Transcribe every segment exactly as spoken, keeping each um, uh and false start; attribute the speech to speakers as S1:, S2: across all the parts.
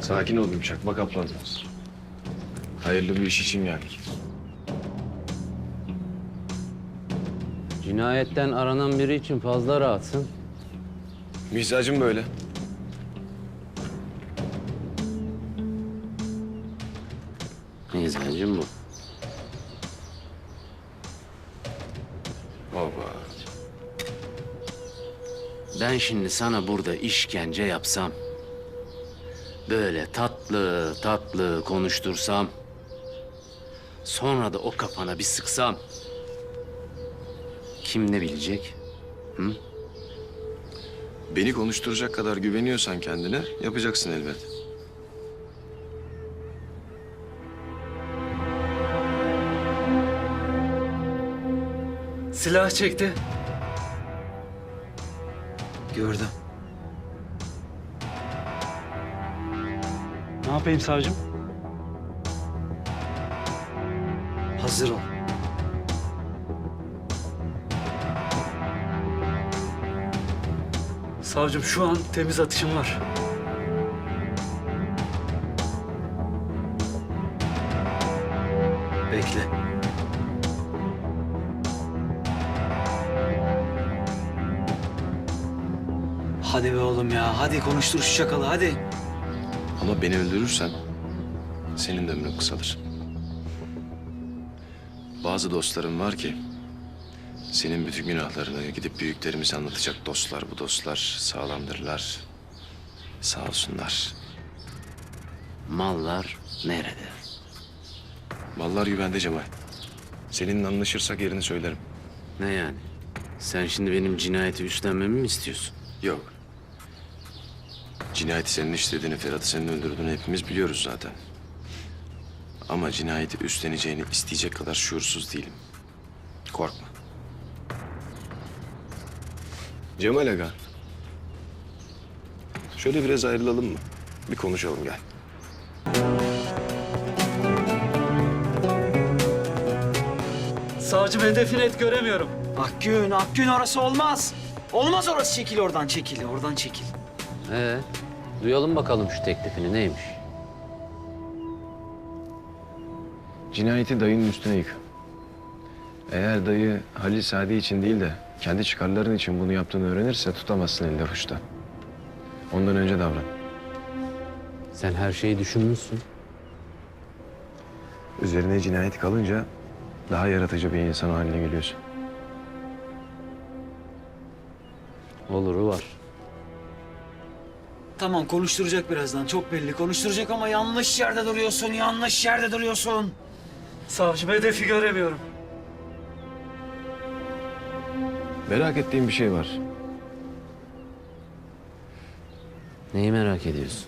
S1: Sakin ol Gümüşak. Bak ablanız. Hayırlı bir iş için geldik.
S2: Cinayetten aranan biri için fazla rahatsın.
S1: Mizacım böyle.
S2: Mizacım bu.
S1: Baba.
S2: Ben şimdi sana burada işkence yapsam, böyle tatlı tatlı konuştursam, sonra da o kafana bir sıksam, kim ne bilecek? Hı?
S1: Beni konuşturacak kadar güveniyorsan kendine yapacaksın elbet.
S3: Silah çekti.
S4: Gördüm.
S3: Ne yapayım savcım?
S4: Hazır ol.
S3: Savcım şu an temiz atışım var.
S4: Bekle. Hadi be oğlum ya. Hadi konuştur şu çakalı hadi.
S1: Ama beni öldürürsen senin de ömrün kısalır. Bazı dostlarım var ki senin bütün günahlarını gidip büyüklerimize anlatacak dostlar. Bu dostlar sağlamdırlar. Sağ olsunlar.
S2: Mallar nerede?
S1: Mallar güvende Cemal. Seninle anlaşırsak yerini söylerim.
S2: Ne yani? Sen şimdi benim cinayeti üstlenmemi mi istiyorsun?
S1: Yok. Cinayeti senin işlediğini, Ferhat'ı senin öldürdüğünü hepimiz biliyoruz zaten. Ama cinayeti üstleneceğini isteyecek kadar şuursuz değilim. Korkma. Cemal Aga. Şöyle biraz ayrılalım mı? Bir konuşalım gel.
S3: Savcım hedefi net göremiyorum.
S4: Akgün, Akgün orası olmaz. Olmaz orası. Çekil oradan çekil. Oradan çekil.
S2: Ee, duyalım bakalım şu teklifini neymiş?
S1: Cinayeti dayının üstüne yık. Eğer dayı Halil Sadi için değil de kendi çıkarların için bunu yaptığını öğrenirse tutamazsın elde avuçta. Ondan önce davran.
S2: Sen her şeyi düşünmüşsün.
S1: Üzerine cinayet kalınca daha yaratıcı bir insan haline geliyorsun.
S2: Oluru var.
S4: Tamam konuşturacak birazdan. Çok belli konuşturacak ama yanlış yerde duruyorsun. Yanlış yerde duruyorsun.
S3: Savcım hedefi göremiyorum.
S1: Merak ettiğim bir şey var.
S2: Neyi merak ediyorsun?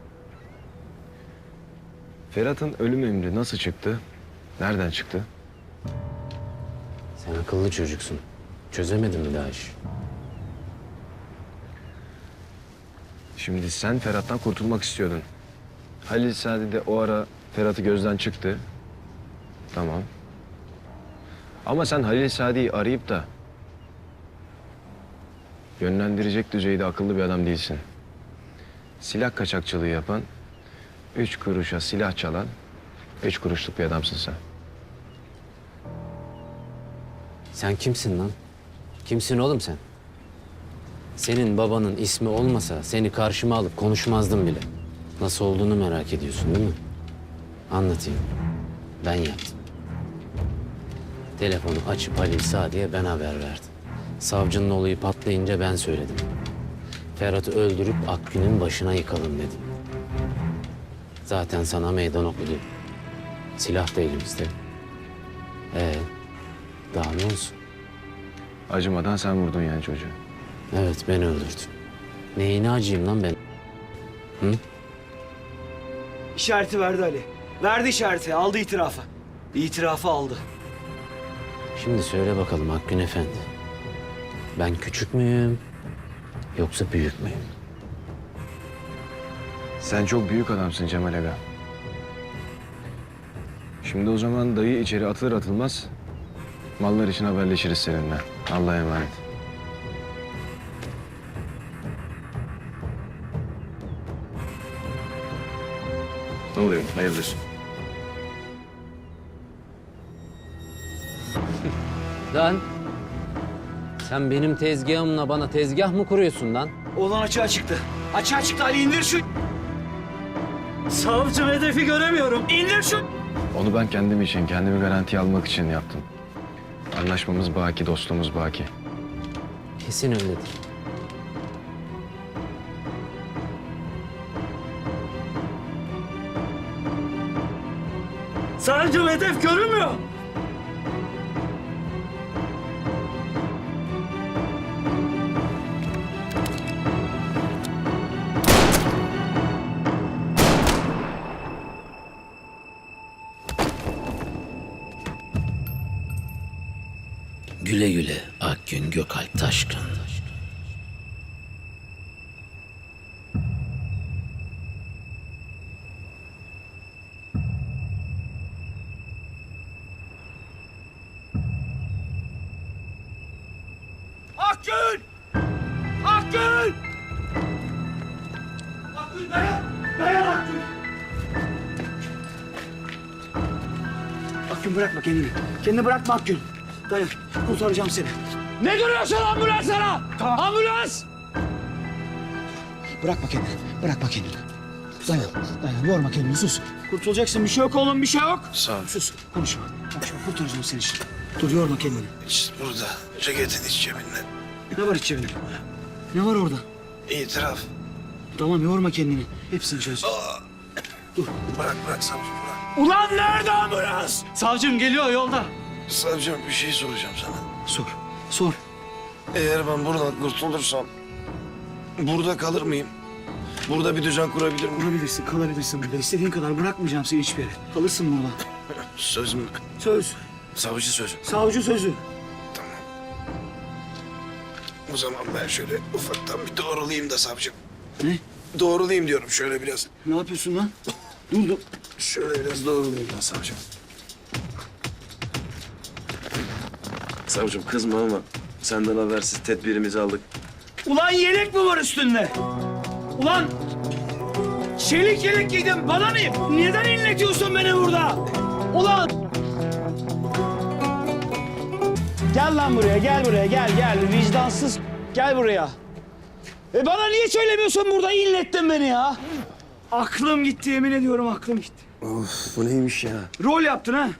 S1: Ferhat'ın ölüm emri nasıl çıktı? Nereden çıktı?
S2: Sen akıllı çocuksun. Çözemedin mi daha iş?
S1: Şimdi sen Ferhat'tan kurtulmak istiyordun. Halil Sadi de o ara Ferhat'ı gözden çıktı. Tamam. Ama sen Halil Sadi'yi arayıp da yönlendirecek düzeyde akıllı bir adam değilsin. Silah kaçakçılığı yapan, üç kuruşa silah çalan, üç kuruşluk bir adamsın sen.
S2: Sen kimsin lan? Kimsin oğlum sen? Senin babanın ismi olmasa seni karşıma alıp konuşmazdım bile. Nasıl olduğunu merak ediyorsun değil mi? Anlatayım. Ben yaptım. Telefonu açıp Halil Sadi'ye ben haber verdim. Savcının olayı patlayınca ben söyledim. Ferhat'ı öldürüp Akgün'ün başına yıkalım dedim. Zaten sana meydan okudu. Silah da elimizde. Ee, daha ne olsun?
S1: Acımadan sen vurdun yani çocuğu.
S2: Evet, ben öldürdüm. Neyine acıyım lan ben? Hı?
S4: İşareti verdi Ali. Verdi işareti. Aldı itirafı. İtirafı aldı.
S2: Şimdi söyle bakalım Akgün Efendi. Ben küçük müyüm yoksa büyük müyüm?
S1: Sen çok büyük adamsın Cemal Aga. Şimdi o zaman dayı içeri atılır atılmaz mallar için haberleşiriz seninle. Allah'a emanet. Ne oluyor? Hayırdır?
S2: Lan sen benim tezgahımla bana tezgah mı kuruyorsun lan?
S4: Oğlan açığa çıktı. Açığa çıktı Ali, indir şu.
S3: Savcım hedefi göremiyorum.
S4: İndir şu.
S1: Onu ben kendim için, kendimi garantiye almak için yaptım. Anlaşmamız baki, dostluğumuz baki.
S2: Kesin öyledir.
S3: Savcım hedef görünmüyor.
S2: Güle güle Akgün Gökalp Taşkın.
S4: Akgün! Akgün! Akgün dayan! Dayan Akgün! Akgün bırakma kendini. Kendini bırakma Akgün. Dayan. Kurtaracağım seni. Ne duruyorsun ambulanslara? Tamam. Ambulans! Bırakma kendini. Bırakma kendini. Dayan. Dayan. Yorma kendini. Sus. Kurtulacaksın. Bir şey yok oğlum. Bir şey yok.
S1: Sağ ol.
S4: Sus. Konuşma. Konuşma. Kurtaracağım seni şimdi. Dur yorma kendini.
S5: İşte burada. Ceketin iç cebinde.
S4: Ne var içeride? Ne var orada?
S5: İtiraf.
S4: Tamam yorma kendini. Hepsini çöz.
S5: Bırak bırak savcım bırak.
S4: Ulan nerede ambulans?
S3: Savcım geliyor yolda.
S5: Savcım bir şey soracağım sana.
S4: Sor. Sor.
S5: Eğer ben buradan kurtulursam burada kalır mıyım? Burada bir düzen kurabilir miyim?
S4: Kurabilirsin, kalabilirsin burada. İstediğin kadar bırakmayacağım seni hiçbir yere. Kalırsın burada.
S5: Söz mü?
S4: Söz.
S5: Savcı sözü.
S4: Savcı sözü.
S5: O zaman ben şöyle ufaktan bir doğrulayayım da savcım.
S4: Ne?
S5: Doğrulayayım diyorum şöyle biraz.
S4: Ne yapıyorsun lan? Dur dur.
S5: Şöyle biraz doğrulayayım da savcım. Savcım kızma ama senden habersiz tedbirimizi aldık.
S4: Ulan yelek mi var üstünde? Ulan çelik yelek giydim. Bana ne? Neden inletiyorsun beni burada? Ulan! Gel lan buraya, gel buraya, gel gel. Vicdansız. Gel buraya. E bana niye söylemiyorsun burada? İnlettin beni ya. Aklım gitti, yemin ediyorum aklım gitti.
S5: Of bu neymiş ya?
S4: Rol yaptın ha?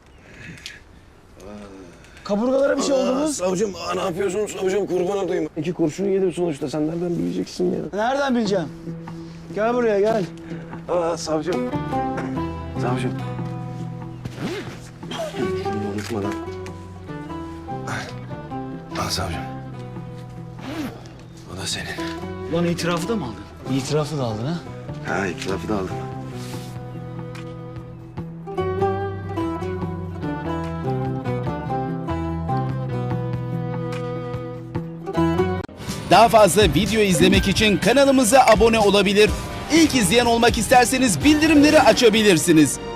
S4: Kaburgalara bir şey oldu mu?
S5: Savcım aa, ne yapıyorsun savcım kurban olayım. İki kurşun yedim sonuçta sen nereden bileceksin ya?
S4: Nereden bileceğim? Gel buraya gel.
S5: Aa savcım. Savcım. Şunu unutmadan. Al savcım. O da senin.
S4: Lan itirafı da mı aldın? İtirafı da aldın ha?
S5: Ha itirafı da aldım.
S6: Daha fazla video izlemek için kanalımıza abone olabilir. İlk izleyen olmak isterseniz bildirimleri açabilirsiniz.